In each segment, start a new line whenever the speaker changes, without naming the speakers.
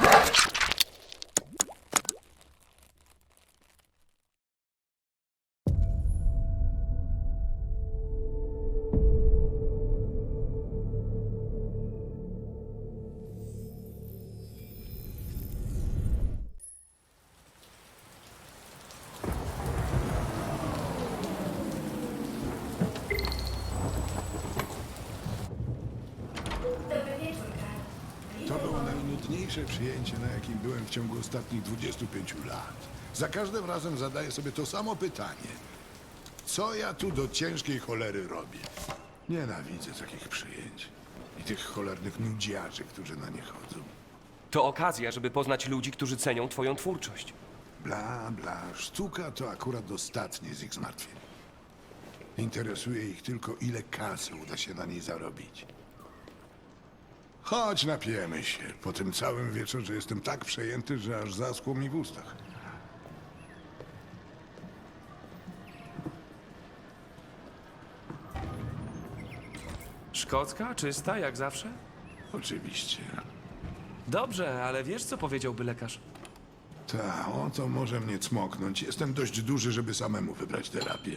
To było najnudniejsze przyjęcie, na jakim byłem w ciągu ostatnich 25 lat. Za każdym razem zadaję sobie to samo pytanie. Co ja tu do ciężkiej cholery robię? Nienawidzę takich przyjęć. I tych cholernych nudziarzy, którzy na nie chodzą.
To okazja, żeby poznać ludzi, którzy cenią twoją twórczość.
Bla, bla. Sztuka to akurat ostatnie z ich zmartwień. Interesuje ich tylko, ile kasy uda się na niej zarobić. Chodź, napijemy się. Po tym całym wieczorze jestem tak przejęty, że aż zaschło mi w ustach.
Szkocka, czysta, jak zawsze?
Oczywiście.
Dobrze, ale wiesz, co powiedziałby lekarz?
Ta, o to może mnie cmoknąć. Jestem dość duży, żeby samemu wybrać terapię.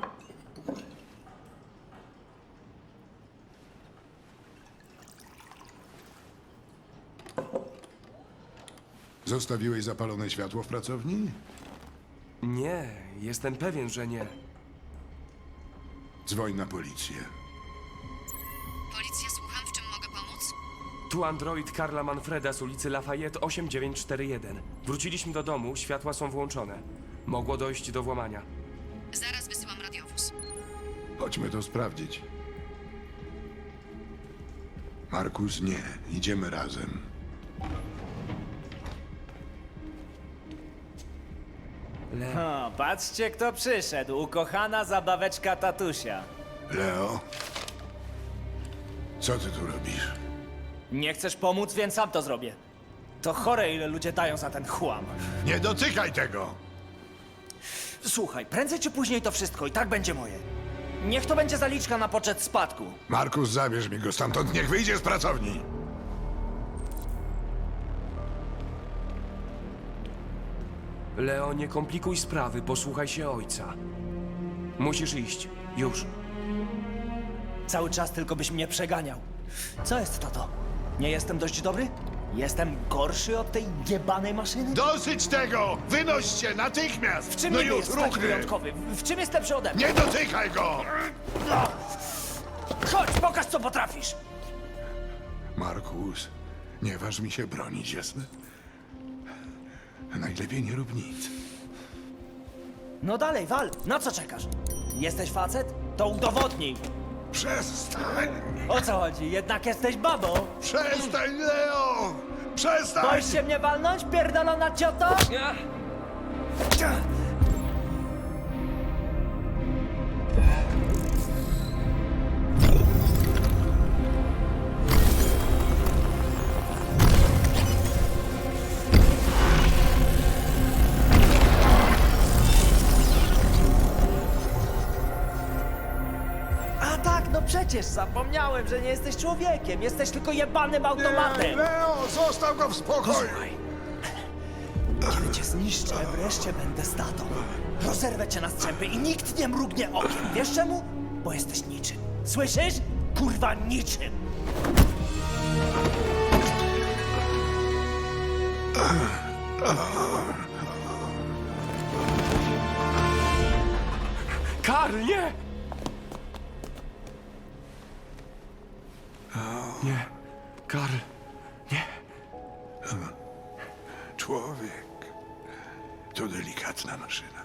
Zostawiłeś zapalone światło w pracowni?
Nie, jestem pewien, że nie.
Dzwoń na policję.
Policja, słucham, w czym mogę pomóc?
Tu android Karla Manfreda z ulicy Lafayette 8941. Wróciliśmy do domu, światła są włączone. Mogło dojść do włamania.
Zaraz wysyłam radiowóz.
Chodźmy to sprawdzić. Markus, nie. Idziemy razem.
O, patrzcie, kto przyszedł. Ukochana zabaweczka tatusia.
Leo? Co ty tu robisz?
Nie chcesz pomóc, więc sam to zrobię. To chore, ile ludzie dają za ten chłam.
Nie dotykaj tego!
Słuchaj, prędzej czy później to wszystko i tak będzie moje. Niech to będzie zaliczka na poczet spadku.
Markus, zabierz mi go stamtąd, niech wyjdzie z pracowni!
Leo, nie komplikuj sprawy, posłuchaj się ojca. Musisz iść. Już.
Cały czas tylko byś mnie przeganiał. Co jest, tato? Nie jestem dość dobry? Jestem gorszy od tej jebanej maszyny?
Dosyć tego! Wynoś się natychmiast!
W czym
no
niby
już,
jest taki
ruchy!
wyjątkowy? W czym jest lepszy ode mnie?
Nie dotykaj go!
Chodź, pokaż, co potrafisz!
Markus, nie waż mi się bronić, jasne? Najlepiej nie rób nic.
No dalej, wal! Na co czekasz? Jesteś facet? To udowodnij!
Przestań!
O co chodzi? Jednak jesteś babą?
Przestań, Leo! Przestań!
Boisz się mnie walnąć, pierdolona cioto? A tak, no przecież zapomniałem, że nie jesteś człowiekiem. Jesteś tylko jebanym automatem.
Leo, zostaw go w spokoju!
Słuchaj. Kiedy cię zniszczę, wreszcie będę statą. Rozerwę cię na strzępy i nikt nie mrugnie okiem. Wiesz czemu? Bo jesteś niczym. Słyszysz? Kurwa, niczym.
Karl, nie! Nie, Karl, nie.
Człowiek to delikatna maszyna.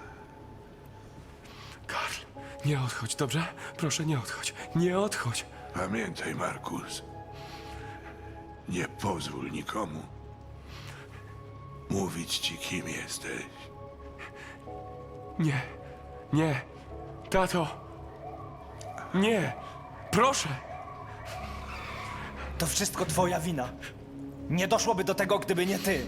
Karl, nie odchodź, dobrze? Proszę, nie odchodź. Nie odchodź.
Pamiętaj, Markus. Nie pozwól nikomu mówić ci, kim jesteś.
Nie, nie. Tato. Nie. Proszę.
To wszystko twoja wina. Nie doszłoby do tego, gdyby nie ty.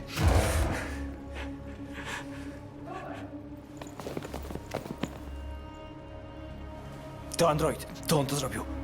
To android. To on to zrobił.